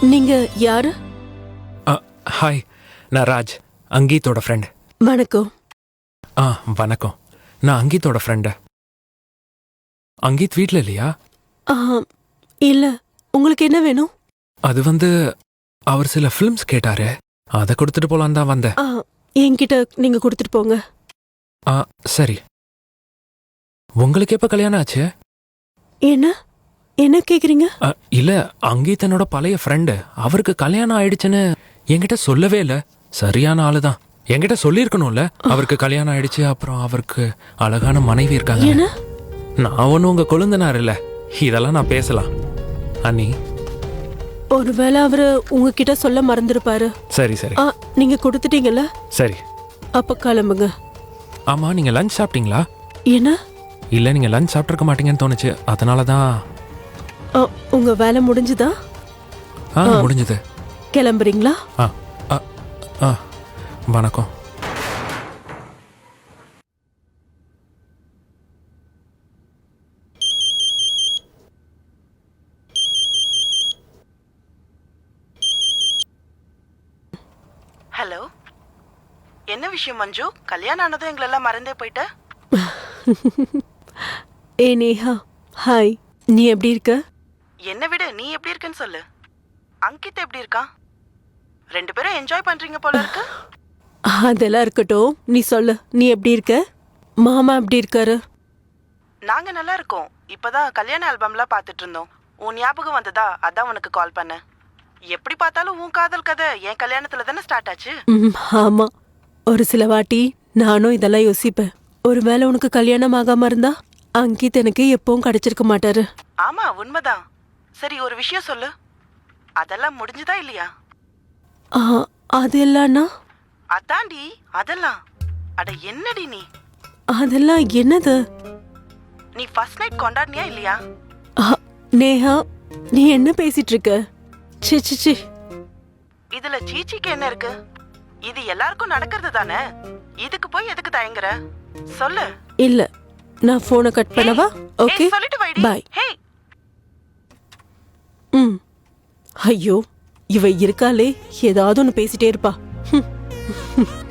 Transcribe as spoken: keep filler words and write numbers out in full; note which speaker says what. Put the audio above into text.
Speaker 1: நீங்க யாரு?
Speaker 2: ஹாய், நான் ராஜ், அங்கீத்தோட ஃப்ரெண்ட்.
Speaker 1: வணக்கம்.
Speaker 2: ஆ வணக்கம். நான் அங்கீத்தோட ஃப்ரெண்டு. அங்கீத் வீட்டில் இல்லையா?
Speaker 1: ஆ, இல்ல. உங்களுக்கு என்ன வேணும்?
Speaker 2: அது வந்து அவர் சில ஃபிலிம்ஸ் கேட்டாரு, அதை கொடுத்துட்டு போலான்னு தான் வந்தேன்.
Speaker 1: ஆ, என்கிட்ட நீங்க கொடுத்துட்டு போங்க.
Speaker 2: ஆ சரி. உங்களுக்கு எப்போ கல்யாணம் ஆச்சு?
Speaker 1: என்ன என்ன கேக்குறீங்க?
Speaker 2: அ, இல்ல, அங்கீத் என்னோட பழைய ஃப்ரெண்டு. அவருக்கு கல்யாணம் ஆயிடுச்சுன்னு என்கிட்ட சொல்லவே இல்லை. சரியான ஆளு தான். என்கிட்ட சொல்லியிருக்கணும்ல, அவருக்கு கல்யாணம் ஆயிடுச்சு, அப்புறம் அவருக்கு அழகான மனைவி இருக்காங்க.
Speaker 1: என்ன?
Speaker 2: நான் ஒன்றும் உங்க கொழுந்தனார் இல்லை, இதெல்லாம் நான் பேசலாம். அண்ணி,
Speaker 1: ஒருவேளை அவரு உங்ககிட்ட சொல்ல மறந்துருப்பாரு.
Speaker 2: சரி சரி
Speaker 1: ஆ, நீங்க கொடுத்துட்டீங்கல்ல,
Speaker 2: சரி.
Speaker 1: அப்ப கிளம்புங்க.
Speaker 2: ஆமா, நீங்க லஞ்ச் சாப்பிட்டீங்களா?
Speaker 1: என்ன?
Speaker 2: இல்ல, நீங்க லஞ்ச் சாப்பிட்ருக்க மாட்டீங்கன்னு தோணுச்சு, அதனால தான்.
Speaker 1: ஆ, உங்க வேலை முடிஞ்சுதா?
Speaker 2: ஆ முடிஞ்சது.
Speaker 1: கிளம்புறீங்களா?
Speaker 2: ஆ ஆ ஆ வணக்கம்.
Speaker 3: ஹலோ, என்ன விஷயம் மஞ்சு? கல்யாணம் ஆனதும் எங்களெல்லாம் மறந்தே போயிட்ட?
Speaker 1: ஏ நேஹா, ஹாய். நீ எப்படி இருக்க?
Speaker 3: என்ன விட நீ எப்படி இருக்கன்னு சொல்லு. அங்கித் எப்படி இருக்கான்? ரெண்டு பேரும் என்ஜாய் பண்றீங்க போல இருக்கு.
Speaker 1: அதெல்லாம் இருக்கட்டும், நீ சொல்லு, நீ எப்படி இருக்க? மாமா எப்படி இருக்காரு?
Speaker 3: நாங்க நல்லா இருக்கோம். இப்பதான் கல்யாண ஆல்பம்லாம் பார்த்துட்டு இருந்தோம். உன் ஞாபகம் வந்ததா, அதான் உனக்கு கால் பண்ணேன். எப்படி பார்த்தாலும் உன் காதல் கதை என் கல்யாணத்துல தானே ஸ்டார்ட் ஆச்சு.
Speaker 1: ம், ஆமா. ஒரு சில வாட்டி நானும் இதெல்லாம் யோசிப்பேன். ஒருவேளை உனக்கு கல்யாணம் ஆகாம இருந்தா அங்கித் எனக்கு எப்பவும் கிடைச்சிருக்க மாட்டாரு.
Speaker 3: ஆமா, உண்மைதான். சரி, ஒரு விஷயம் சொல்லு, அதெல்லாம் முடிஞ்சுதா இல்லையா?
Speaker 1: ஆ, அது இல்லன்னா?
Speaker 3: அதாண்டி அதெல்லாம். அட என்னடி நீ?
Speaker 1: அதெல்லாம் என்னது?
Speaker 3: நீ ஃபர்ஸ்ட் நைட் கொண்டாடினியா இல்லையா?
Speaker 1: ஆ, நேஹா, நீ என்ன பேசிட்டு இருக்க? சி சி சி
Speaker 3: இதுல சீச்சிக்கு என்ன இருக்கு? இது எல்லாருக்கும் நடக்கிறது தானே. இதுக்கு போய் எதுக்கு தயங்குற? சொல்லு.
Speaker 1: இல்ல, நான் போனை கட் பண்ணவா? ஓகே,
Speaker 3: சொல்லிட்டு வைடி.
Speaker 1: பை.
Speaker 3: ஹே,
Speaker 1: ம். ஐயோ, இவ இருக்காளே, ஏதாவது ஒன்று பேசிட்டே இருப்பா.